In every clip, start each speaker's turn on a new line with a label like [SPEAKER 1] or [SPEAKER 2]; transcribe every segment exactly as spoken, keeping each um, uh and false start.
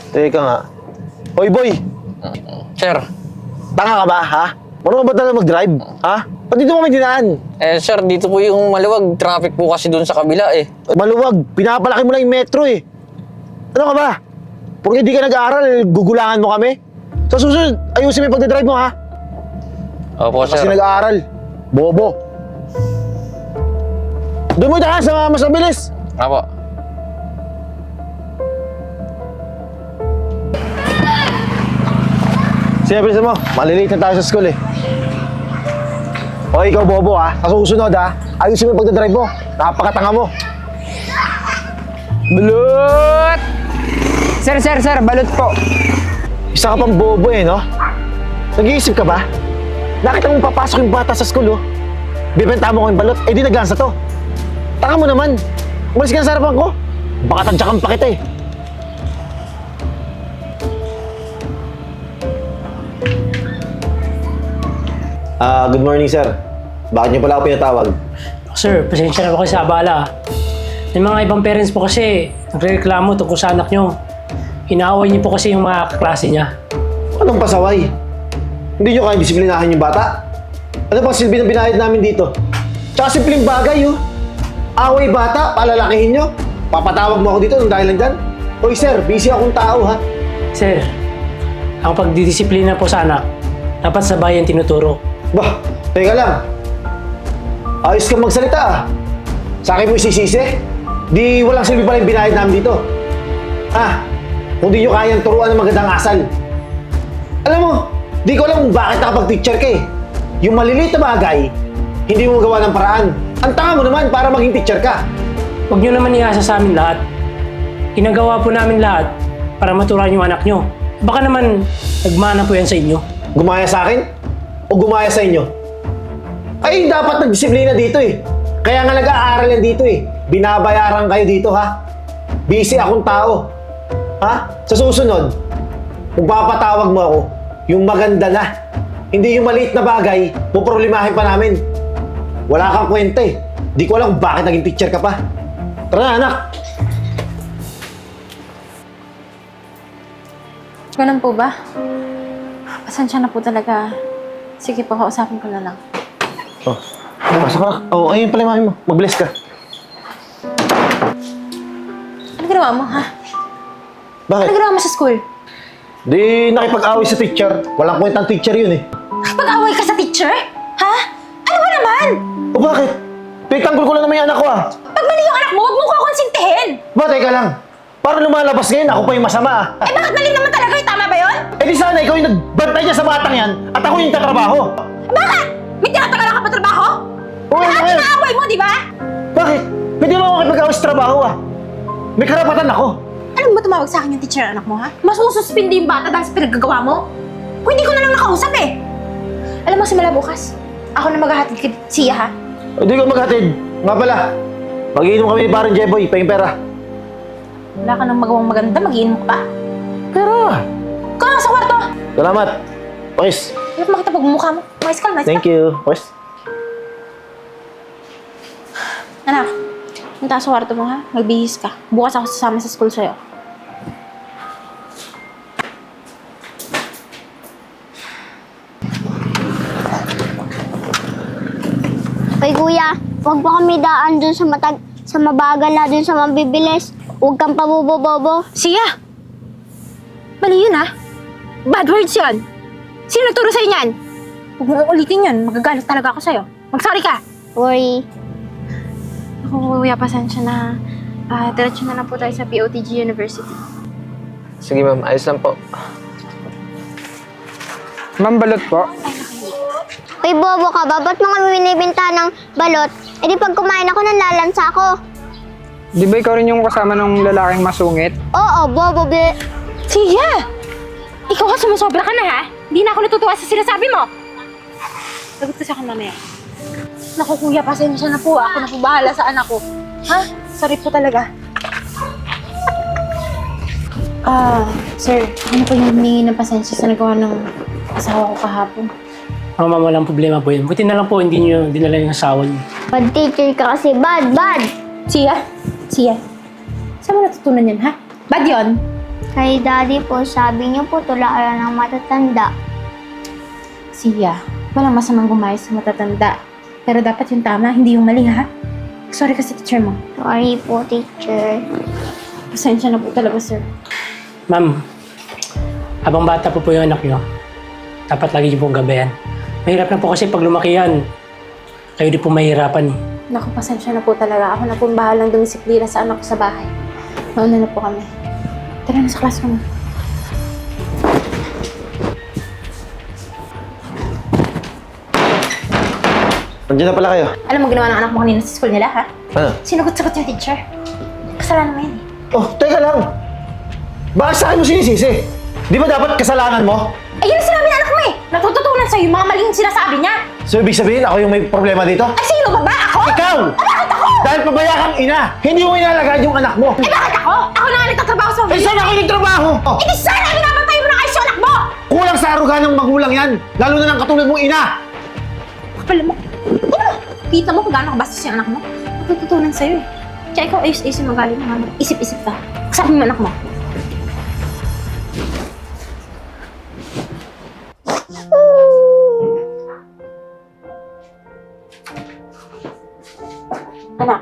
[SPEAKER 1] Teka nga. Hoy, boy!
[SPEAKER 2] Sir,
[SPEAKER 1] Tanga ka ba, ha? Marunong ka ba talaga mag-drive? Ha? Ba't dito kami dinaan?
[SPEAKER 2] eh sir, dito po yung maluwag. Traffic po kasi doon sa kabila eh.
[SPEAKER 1] Maluwag. Pinapalaki mo lang yung metro eh. Ano ka ba? Porque di ka nag-aaral, gugulangan mo kami? Sa susunod, ayusin mo yung pagdadrive mo, ha?
[SPEAKER 2] Opo, sir.
[SPEAKER 1] Kasi nag-aaral. Bobo. Doon mo daan sa mas mabilis.
[SPEAKER 2] Opo.
[SPEAKER 1] Siyempre mo, malilate na tayo sa school eh. O ikaw, Bobo ha, sa susunod ha, ayusin mo yung pagdadrive mo. Napakatanga mo.
[SPEAKER 3] Balot! Sir, sir, sir, balot po.
[SPEAKER 1] Isa ka pang bobo eh, no? Nag-iisip ka ba? Nakita mo papasok yung bata sa school, oh. Bibenta mo ko yung balot, eh di naglansa to. Tanga mo naman. Umalis ka na sa harapan ko. Baka tadyakan pa kita eh. Ah, good morning, sir. Bakit niyo pala ako pinatawag?
[SPEAKER 4] Sir, pasensya na po kayo sa abala. May mga ibang parents po kasi nagreklamo tungkol sa anak nyo. Inaaway niyo po kasi yung mga kaklase niya.
[SPEAKER 1] Anong pasaway? Hindi niyo kaya disiplinahan yung bata? Ano pang silbi na binayad namin dito? Tsaka simpleng bagay, oh. Away bata, palalakihin niyo. Papatawag mo ako dito nung dahil lang dyan? Hoy, sir, busy akong tao, ha?
[SPEAKER 4] Sir, ang pagdidisiplina po sa anak, dapat sa bayan tinuturo.
[SPEAKER 1] Bah, teka lang. Ayos kang magsalita, ah. Sa akin mo isisisi? Di walang silbi pala yung binayad namin dito. Ah, kung di nyo kayang turuan ng magandang asal. Alam mo, di ko alam kung bakit nakapag-teacher ka eh. Yung maliliit na bagay, hindi mo gawa ng paraan. Ang tanga mo naman para maging teacher ka.
[SPEAKER 4] Huwag nyo naman iasa sa amin lahat. Ginagawa po namin lahat para maturuan yung anak nyo. Baka naman nagmana po yan sa inyo.
[SPEAKER 1] Gumaya sa akin? O gumaya sa inyo? Ay, dapat nagdisiplina dito eh. Kaya nga nag-aaral yan dito eh. Binabayaran kayo dito, ha? Busy akong tao. Ha? Sa susunod, kung papatawag mo ako, yung maganda na. Hindi yung maliit na bagay, puproblemahin pa namin. Wala kang kwenta eh. Di ko alam kung bakit naging teacher ka pa. Tara na, anak.
[SPEAKER 5] Ganun po ba? Pasensya na po talaga. Sige po, kausapin ko na lang.
[SPEAKER 1] Oh, pasok ka. Oh, ayun pala yung mami mo. Mag-bless ka.
[SPEAKER 5] Ano ginawa mo, ha?
[SPEAKER 1] Bakit?
[SPEAKER 5] Ano ginawa mo sa school?
[SPEAKER 1] Di nakipag-away sa teacher. Walang kwentang teacher yun eh.
[SPEAKER 5] Pag-away ka sa teacher? Ha? Ano ba naman?
[SPEAKER 1] O bakit? Pinagtanggol ko lang naman yung anak ko ah.
[SPEAKER 5] Pag mali yung anak mo, huwag mo ko konsintihin!
[SPEAKER 1] Ba, teka lang. Parang lumalabas ngayon, ako pa yung masama ah.
[SPEAKER 5] Eh bakit mali naman talaga yung tama ba yun?
[SPEAKER 1] Eh di sana ikaw yung nagbantay niya sa batang yan at ako yung tatrabaho.
[SPEAKER 5] Bakit? May tinatagalan ka pa trabaho?
[SPEAKER 1] Oo,
[SPEAKER 5] Lahat
[SPEAKER 1] ngayon.
[SPEAKER 5] inaaway mo, di ba?
[SPEAKER 1] Bakit? Pwede mo ako makipag-away sa trabaho ah. May karapatan ako.
[SPEAKER 5] Alam mo tumawag sa akin yung teacher ng anak mo, ha? Masususpindi yung bata dahil sa pinaggagawa mo? Kung hindi ko na lang nakausap eh. Alam mo, simula bukas, ako na maghahatid kay siya, ha?
[SPEAKER 1] Hindi ko maghatid. Nga pala, mag-iinom kami ni parang Jeboy, pahing pera.
[SPEAKER 5] Wala ka nang magawang maganda, mag-iinom ka pa.
[SPEAKER 1] Pera!
[SPEAKER 5] Ikaw lang sa kwarto!
[SPEAKER 1] Salamat. Pakis.
[SPEAKER 5] Dapat makita pagmumukha mo. Mais ka, mais ka.
[SPEAKER 1] Thank you. Pakis.
[SPEAKER 5] Anak, punta sa kwarto mo, ha? Magbihis ka. Bukas ako sasama sa school sa'yo.
[SPEAKER 6] Hoy kuya, huwag mo kami daan dun sa matag sa mabagal na dun sa mabibilis. Huwag kang pabobo-bobo.
[SPEAKER 5] Siya! Mali yun, ha? Bad words yun! Sino nagturo sa'yo niyan? Huwag mo ulitin yun. Magagalit talaga ako sa'yo. Mag-sorry ka!
[SPEAKER 6] Worry.
[SPEAKER 5] Ako, kuya, pasensya na. Ah, diretso na lang po tayo sa P O T G University.
[SPEAKER 2] Sige ma'am, ayos lang po.
[SPEAKER 3] Ma'am, balot po.
[SPEAKER 6] Hoy bobo ka ba? Ba't mo kami binibinta ng balot? E di pag kumain ako, nanlalansa ako.
[SPEAKER 3] Di ba ikaw rin yung kasama ng lalaking masungit?
[SPEAKER 6] Oo, bobo be.
[SPEAKER 5] Siya! Ikaw ka sumusobra ka na, ha? Hindi na ako natutuwa sa sinasabi mo. Sagot ka sa akin mamaya. Naku, kuya, pasensya na po. Ako na po bahala sa anak ko. Ha? Sorry po talaga. Ah, sir, ano po yung humingi ng pasensya sa nagawa ng asawa ko kahapon?
[SPEAKER 4] Oh, ma'am, walang problema po yun. Buti na lang po, hindi nyo dinala yung asawa nyo.
[SPEAKER 6] Bad teacher ka kasi. Bad, bad.
[SPEAKER 5] Siya? Siya? Saan mo natutunan yan, ha? Bad yun?
[SPEAKER 6] Kay daddy po, sabi niyo po tularan ng matatanda.
[SPEAKER 5] Siya, walang masamang gumayos sa matatanda. Pero dapat yung tama, hindi yung mali, ha? Sorry kasi, teacher mo.
[SPEAKER 6] Sorry po, teacher.
[SPEAKER 5] Pasensya na po talaga, sir.
[SPEAKER 4] Ma'am, habang bata po po yung anak nyo, dapat lagi niyo pong gabayan. Mahirap na po kasi pag lumaki yan, kayo di po mahirapan eh.
[SPEAKER 5] Naku, pasensya na po talaga. Ako na po bahalang dumisiplina sa anak ko sa bahay. Mauna na po kami. Tara na sa classroom.
[SPEAKER 1] Nandiyan na pala kayo.
[SPEAKER 5] Alam mo ginawa ng anak mo kanina sa school nila, ha?
[SPEAKER 1] Ano?
[SPEAKER 5] Sinugot-sagot yung teacher. Kasalanan mo yan, eh.
[SPEAKER 1] Oh, teka lang. Bakit sa akin mo sinisisi? Di ba dapat kasalanan mo?
[SPEAKER 5] Ayun ang sinabi ng anak mo, eh. Natututunan sa'yo yung mga maling sinasabi niya.
[SPEAKER 1] So, ibig sabihin, ako yung may problema dito?
[SPEAKER 5] Ay, sino ba ba? Ako?
[SPEAKER 1] Ikaw!
[SPEAKER 5] Ah, bakit ako?
[SPEAKER 1] Dahil pabaya kang ina, hindi mo inalagaan yung anak mo.
[SPEAKER 5] Eh, bakit ako? Ako na nga nagtatrabaho sa
[SPEAKER 1] Eh, saan ako nagtrabaho? Oh,
[SPEAKER 5] Eh, di sana binabantay mo na kayo sa anak mo!
[SPEAKER 1] kulang sa aruga ng magulang yan, lalo na ng katulad mong ina.
[SPEAKER 5] Kapal mo. Ano? Kita mo kung gaano kabastos yung anak mo? Natututunan sa'yo, eh. Kaya ikaw ayos-ayos yung magaling ng anak. Isip-isip ka. Sabi mo anak mo. Anak.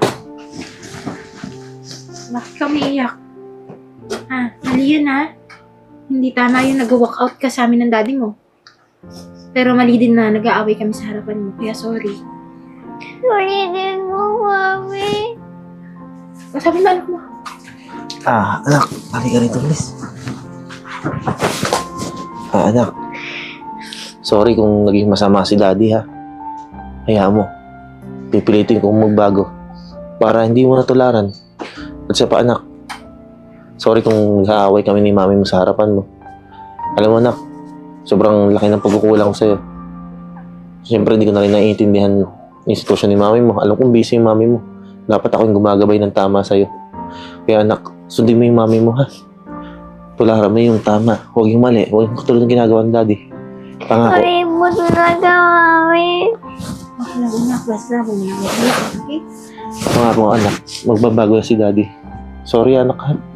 [SPEAKER 5] Bakit ka umiiyak? Ah, mali yun, ha? Hindi tama yung nag-walk out ka sa amin ng daddy mo. Pero mali din na nag-aaway kami sa harapan mo, kaya sorry.
[SPEAKER 6] Sorry din mo, mami.
[SPEAKER 5] O, sabi mo anak mo.
[SPEAKER 1] Ah, anak, pali ka rito, please. Ah, anak. Sorry kung naging masama si daddy, ha. Hayaan mo. Pipilitin kong magbago para hindi mo natularan. At siya pa, anak. Sorry kung nag-aaway kami ni mami mo sa harapan mo. Alam mo, anak, sobrang laki ng pagkukulang ko sa'yo. Siyempre, hindi ko na rin naiintindihan yung sitwasyon ni mami mo. Alam kong busy yung mami mo. Dapat ako yung gumagabay ng tama sa'yo. Kaya, anak, sundin mo yung mami mo, ha? Tularan mo yung tama. Huwag yung mali. Huwag yung katulad ng ginagawa ng daddy. Pangako.
[SPEAKER 6] Sorry po talaga, mami.
[SPEAKER 5] Okay lang, anak. Basta mo na. Okay?
[SPEAKER 1] Pangako, anak. Magbabago na si daddy. Sorry, anak, ha?